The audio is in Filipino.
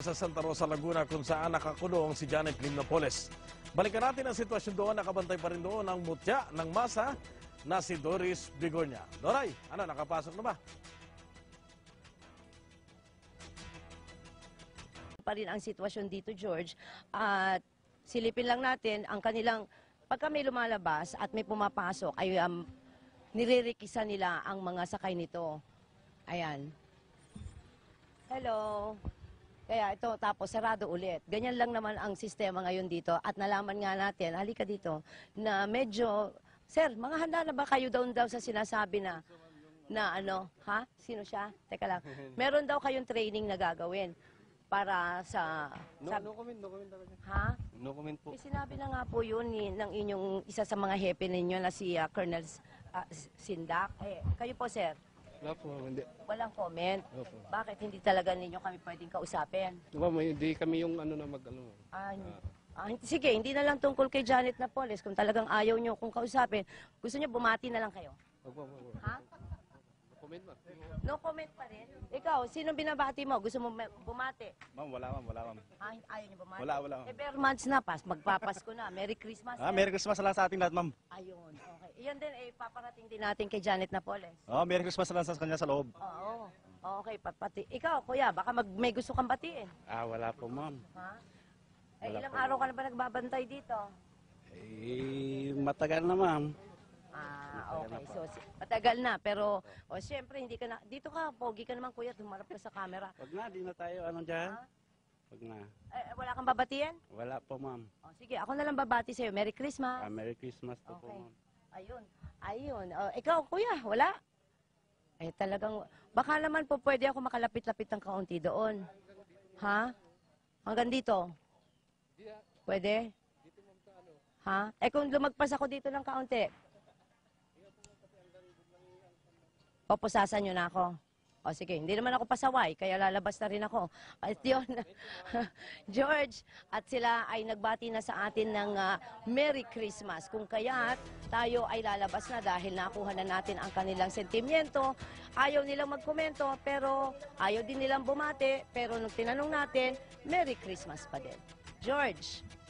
Sa Santa Rosa, Laguna kung saan nakakulong si Janet Lim Napoles. Balikan natin ang sitwasyon doon. Nakabantay pa rin doon ang mutya ng masa na si Doris Bigornia. Doray, nakapasok na ba? Pa rin ang sitwasyon dito, George. At silipin lang natin ang kanilang, pagka may lumalabas at may pumapasok, ay niririkisan nila ang mga sakay nito. Ayan. Hello. Kaya ito, tapos sarado ulit. Ganyan lang naman ang sistema ngayon dito. At nalaman nga natin, halika dito, na medyo, sir, mga handa na ba kayo daw sa sinasabi na ha? Sino siya? Teka lang. Meron daw kayong training na gagawin para sa... No comment talaga. Ha? No comment po. Sinabi na nga po yun ng inyong isa sa mga hepe ninyo na si Colonel Sindak. Kayo po, sir? Wala po, hindi. Walang comment. Opo. Bakit hindi talaga ninyo kami pwedeng kausapin? Hindi kami yung Sige, hindi na lang tungkol kay Janet Napoles. Kung talagang ayaw nyo kung kausapin, gusto nyo bumati na lang kayo. Opo. Ha? Comment ba? No comment pa rin? Ikaw, sinong binabati mo? Gusto mo bumati? Ma'am, wala ma'am. Ayaw nyo bumati? Wala. Bare months na, magpapasko na. Merry Christmas. Merry Christmas lang sa ating lahat, ma'am. Ayun, okay. Iyan din, paparating din natin kay Janet Napoles. Merry Christmas lang sa kanya sa loob. Oo. Okay, pati. Ikaw, kuya, baka may gusto kang batiin. Wala po, ma'am. Ha? Wala Ilang po. araw ka na ba nagbabantay dito? Matagal na, ma'am. Okay. So, matagal na. Pero, siyempre, hindi ka na... Dito ka, pogi ka naman, kuya. Tumarap ka sa camera. Wag na, di na tayo, dyan? Ha? Wag na. Wala kang babatiin? Wala po, ma'am. Sige, ako na lang babati sa'yo. Merry Christmas. Merry Christmas po, Okay. ma'am. Ayun. Ikaw, kuya, wala? Talagang... Baka naman po pwede ako makalapit-lapit ng kaunti doon. Ha? Hanggang dito? Pwede? Ha? Kung lumagpas ako dito ng kaunti? Papusasan nyo na ako. Sige, hindi naman ako pasaway, kaya lalabas na rin ako. At yun, George, at sila ay nagbati na sa atin ng Merry Christmas. Kung kaya't tayo ay lalabas na dahil nakuha na natin ang kanilang sentimiento. Ayaw nilang magkomento, pero ayaw din nilang bumati. Pero nung tinanong natin, Merry Christmas pa din. George.